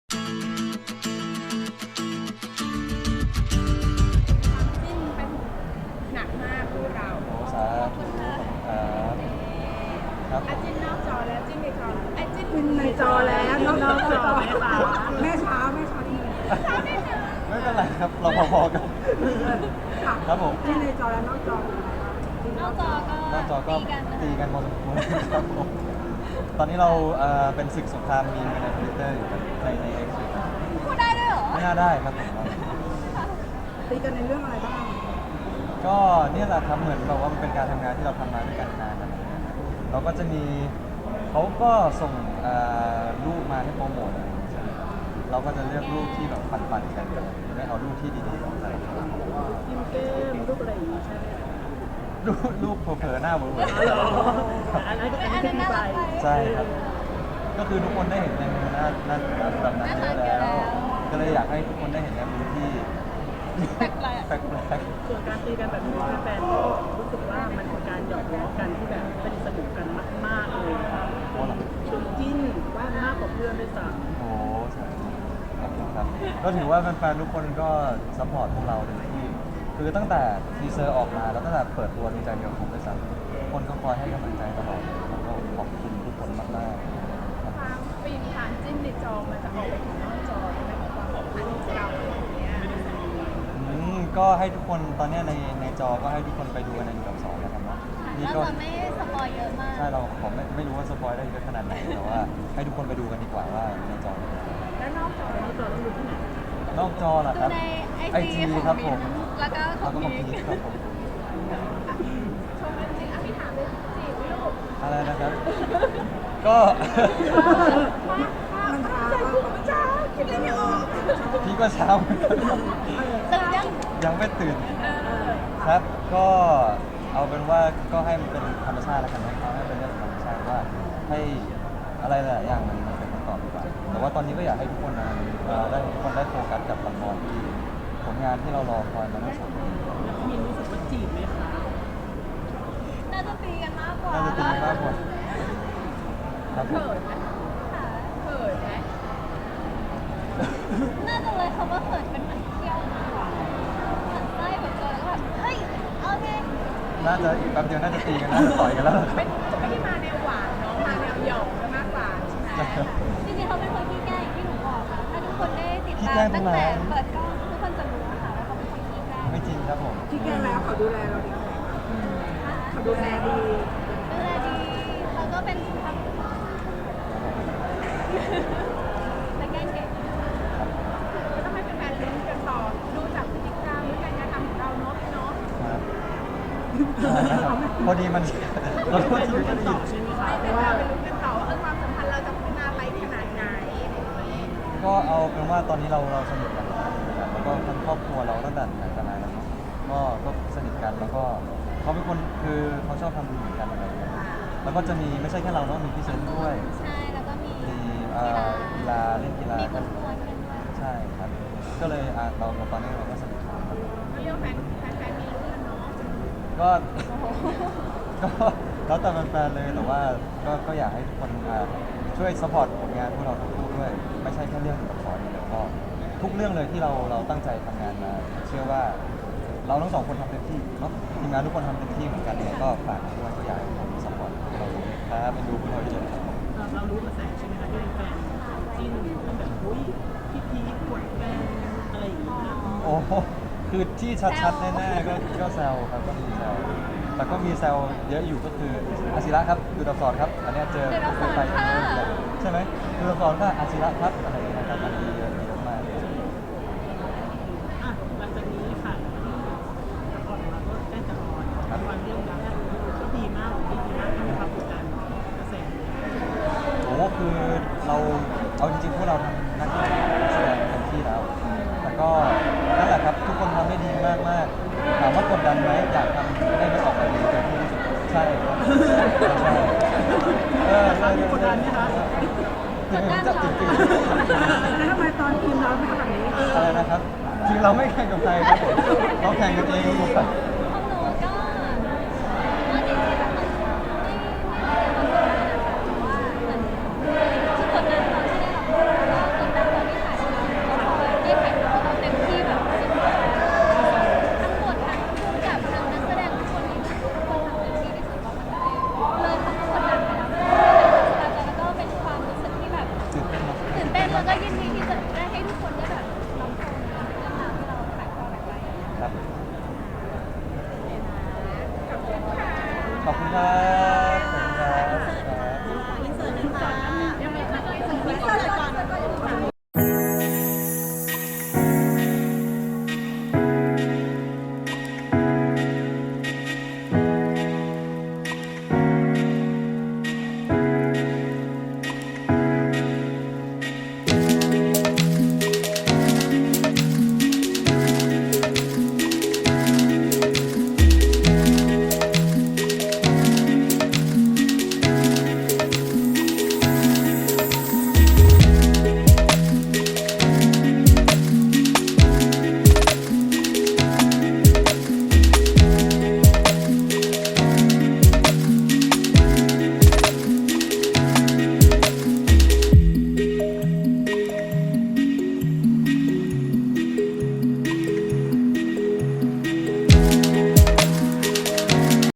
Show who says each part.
Speaker 1: จิ้นเป็นหนักมากคู่เรา
Speaker 2: โอ้สาธุครับครับผ
Speaker 1: อา
Speaker 2: ม
Speaker 1: จิ้นนอกจอแล้วจิ้นในจอไอ้จิ้น
Speaker 3: ขึ้นในจอแล้วนอกจอแม่ช้าที่
Speaker 2: ไม่เป็นไรครับเราพอๆกันครับผม
Speaker 3: ขึ้นในจอแล้วนอกจอน
Speaker 4: อกจอก็
Speaker 2: นอกจอก็
Speaker 4: ตีกันนะคะ
Speaker 2: ตีกันพอสมควรครับผมตอนนี้เราเป็นศึกสงครามมีมกันในทวิตเตอร์อยู่ครับใน X อยู่ครับ
Speaker 4: พูดได้ด้วยเหรอ
Speaker 2: ไม่น่าได้ครับผม
Speaker 3: ตีกันในเรื่องอะไรบ้าง
Speaker 2: ก็เนี่ยแหละครับเหมือนแบบว่ามันเป็นการทำงานที่เราทำมาด้วยกันนานนะครับเราก็จะมีเขาก็ส่งรูปมาให้โปรโมทอะไรอย่างเงี้ยใช่ไหมครับเราก็จะเลือกรูปที่แบบปันๆกันไม่เอารูปที่ดีๆของใคร
Speaker 3: กินเกมรูปอะไรอย่างงี้ใช่ไหม
Speaker 2: รูปเผลอๆหน้าเวอร์
Speaker 3: อันนั้นก็เป็น
Speaker 4: อันนั้น
Speaker 3: ที่
Speaker 4: น่า
Speaker 3: ไป
Speaker 4: รักไป
Speaker 2: ๆใช่ครับ ก็คือทุกคนได้เห็นในมือหน้าแบบนั้นเยอะแล้ว ก็เลยอยากให้ทุกคนได้เห็นในมือที่
Speaker 4: แปลก
Speaker 2: แปลก
Speaker 3: ส่วนการตีกันแบบนี้แฟนๆก็รู้สึกว่ามันเป็นการหยอกล้อกันที่แบบเป็นสนุกกันมากๆเลย
Speaker 2: ๆโอ้หรอ
Speaker 3: ชวนจิ้นว่ามากกว่าเพื่อนด้วยซ้ำ
Speaker 2: โอ้ใช่ครับผมครับ ก็ถือว่าแฟนๆทุกคนก็ซัพพอร์ตพวกเราเต็มที่คือตั้งแต่ทีเซอร์ออกมาแล้วตั้งแต่เปิดตัวดีใจเดียวผมด้วยซ้ำคนก็คอยให้กำลังใจตลอดแล้วก็ขอบคุณทุกคนมากๆครับ
Speaker 1: ความปีนผ่านจิ้นในจอมันจะออกไปถึงนอกจอใช่ไหมความสัมพันธ์ของเราอย่างเงี้ย
Speaker 2: ก็ให้ทุกคนตอนเนี้ยในจอก็ให้ทุกคนไปดูกันใน1 กับ 2นะครับเนาะ
Speaker 4: ๆ
Speaker 2: นี่
Speaker 4: เรา
Speaker 2: ก็
Speaker 4: จะไม่สปอยเยอะมาก
Speaker 2: ใช่เราผมไม่รู้ว่าสปอยได้เยอะขนาดไหนแต่ว่าให้ทุกคนไปดูกันดีกว่าว่าในจอเป็นยังไง
Speaker 1: แล้วนอกจอ
Speaker 3: แล้วจอต้องดูที่ไหน
Speaker 2: นอกจอล่ะ
Speaker 4: ดู
Speaker 2: ครับ
Speaker 4: ในไอ
Speaker 2: IG
Speaker 4: จีของ
Speaker 2: ครับผ
Speaker 4: มิ้
Speaker 2: ม
Speaker 4: นแล้วก็ข
Speaker 2: แล้
Speaker 4: อ
Speaker 2: ว
Speaker 4: ง
Speaker 2: ก็ของ
Speaker 4: พี
Speaker 2: พีคครับผม
Speaker 1: ชมจริงๆพี่ถามเลยจีบลูก
Speaker 2: อะไรนะครับ ก็
Speaker 3: มันช้า
Speaker 1: ใจกูมันช้าคิดอะไรไม่ออก
Speaker 2: พี่ก็เช้าเหมือนกัน
Speaker 4: ตื่นยัง
Speaker 2: ยังไม่ตื่น ครับ ก็เอาเป็นว่าก็ให้มันเป็นธรรมชาติแล้วกันนะเอาให้เป็นเรื่องของธรรมชาติว่าให้อะไรหลายๆอย่างมันเป็นคำตอบดีกว่าแต่ว่าตอนนี้ก็อยากให้ทุกคนนะได้ทุกคนได้โฟกัสกับละครที่ผลงานที่เรารอคอยมาตั้ง2 ปี
Speaker 3: แล้วพี่มินรู้สึกว่าจีบไหมคะ
Speaker 4: น่าจะตีกันมากกว่า
Speaker 2: น่าจะตีมากกว่าครับผม
Speaker 1: เขินไหม
Speaker 4: ค่ะ
Speaker 1: เขินไหม
Speaker 4: น่าจะเลยคำว่าเขินเป็นเหมือนเที่ยวมากกว่าเหมือนไส้แบบเจอแล้วแบบเฮ้ยเอาไง
Speaker 2: น่าจะอีกแป๊บเดียวน่าจะตีกันน่าจะต่อยกันแล้วล่ะครับ
Speaker 1: จะไม่ได้มาแนวหวานเนาะมาแนวหยอกกันมากกว่าใช่ไหม
Speaker 4: จริงๆเขาเป็นคนที่แกล้งอย่างที่หนูบอกค่ะ ถ้าทุกคนได้ติดตามตั้งแต่เปิดกล้องทุกคนจะรู้ค่ะว่าเขาเป็นคนที่แกล้ง
Speaker 2: ไม่จริงครับผม
Speaker 3: ที่แกล้งแล้วเขาดูแลเราดีเขาดูแลดี
Speaker 4: ดูแลดีเขาก็เป็นทำและแกล้งเก่ง
Speaker 1: ก็ต้องให้แฟนๆลุ้นกันต่อดูจากพฤติกรรมหรือการกระทำของเราเนาะพี่เนาะ
Speaker 2: ครับนะครับพอดีมัน เราพูด
Speaker 3: ไป
Speaker 2: ที่
Speaker 3: รู้
Speaker 2: ไม่
Speaker 3: กัน
Speaker 2: ได้
Speaker 3: ต่
Speaker 2: ยิ
Speaker 3: อน ใช่ไหมคะ
Speaker 1: ให้
Speaker 3: เพ
Speaker 1: แฟ
Speaker 3: ราะว่า
Speaker 1: นๆไปลุ้นกันต่อว่าความสัมพันธ์เราจะพัฒนาไปขนาดไหนอะไรอย่างเงี้ย
Speaker 2: ก็เอาเป็นว่าตอนนี้เราสนิทกันนะครับแล้วก็ทั้งครอบครัวเราตั้งแต่ไหนแต่ไรแล้วเนาะก็สนิทกันแล้วก็เขาเป็นคนคือเขาชอบทำบุญเหมือนกันอะไรอย่างเงี้ยแล้วก็จะมีไม่ใช่แค่เราเนาะมีพี่เซนด้วย
Speaker 4: ใช่แล้วก็มี
Speaker 2: มี กีฬาเล่นกีฬา
Speaker 4: มีค
Speaker 2: กัน
Speaker 4: นกวนกันด้วย
Speaker 2: ใช่ครับ ก็เลยเราตอนนี้เราก็สนิทกันครับ
Speaker 1: ก็เรียกว่าแฟนๆมีลุ้นกันเนาะ
Speaker 2: ก็
Speaker 4: โอ้โห
Speaker 2: ก็แล้วแต่แฟนๆเลยแต่ว่าก็อยากให้ทุกคนช่วยสปอร์ตผลงานพวกเราทั้งคู่ด้วย ไม่ใช่แค่เรื่องละครอย่างเดียวก็ทุกเรื่องเลยที่เราตั้งใจทำงานมา เชื่อว่าเราทั้งสองคนทำเต็มที่เนาะทีมงานทุกคนทำเต็มที่เหมือนกันเนี่ยก็ฝากด้วยก็อยากให้ทุกคนสปอร์ตเราครับเป็นดูพวกเราเยอะครับ
Speaker 3: เรารู้กระแสใช่ไหมคะที่เป็นแฟนจิ้นแบบอุ้ยพี่พีคกดแฟนอะไรอย่างเงี้ย
Speaker 2: โอ้โหคือที่ชัดๆแน่ๆก็แซวครับก็มีแซวแต่ก็มีแซวเยอะอยู่ก็คืออาศิระครับดูดับสอนครับอันเนี้ยเจอ
Speaker 4: ดูดับสอน
Speaker 2: ไป
Speaker 4: ค่ะ
Speaker 2: ใช่ไหมดูดับสอนก็อาศิระครับอะไรอย่างเงี้ยครับอันนี้เยอะมาก
Speaker 3: อ่ะหลังจากนี้ค่ะที่ละครของเราก็ใกล้จะออนวันเรื่องแรกก็ดีมากดีมากที่มีความกดดันกระแส
Speaker 2: โอ้โหคือเราเอาจริงๆพวกเราทำหน้าที่แสดงเต็มที่แล้ว แต่ก็นั่นแหละครับทุกคนทำได้ดีมากๆถามว่ากดดันไหมอยากทำให้มันออกมาดีเต็มที่ที่สุดใช่ครับใช่ใช่
Speaker 3: กดดันไหมคะ
Speaker 2: จริงๆจะจริง
Speaker 3: แล้วทำไมตอนทีมเราไม่ทำแบบนี้
Speaker 2: ๆอะไรนะครับจริงเราไม่แข่งกับใครครับผมเราแข่งกันเองครับ
Speaker 4: ของหนูก็จริงๆแล้วมันไม่ได้กดดันนะคะเพราะว่าเหมือนคือกดดันตอนที่ได้รับรู้ว่ากดดันตอนที่ถ่ายก็ยินดี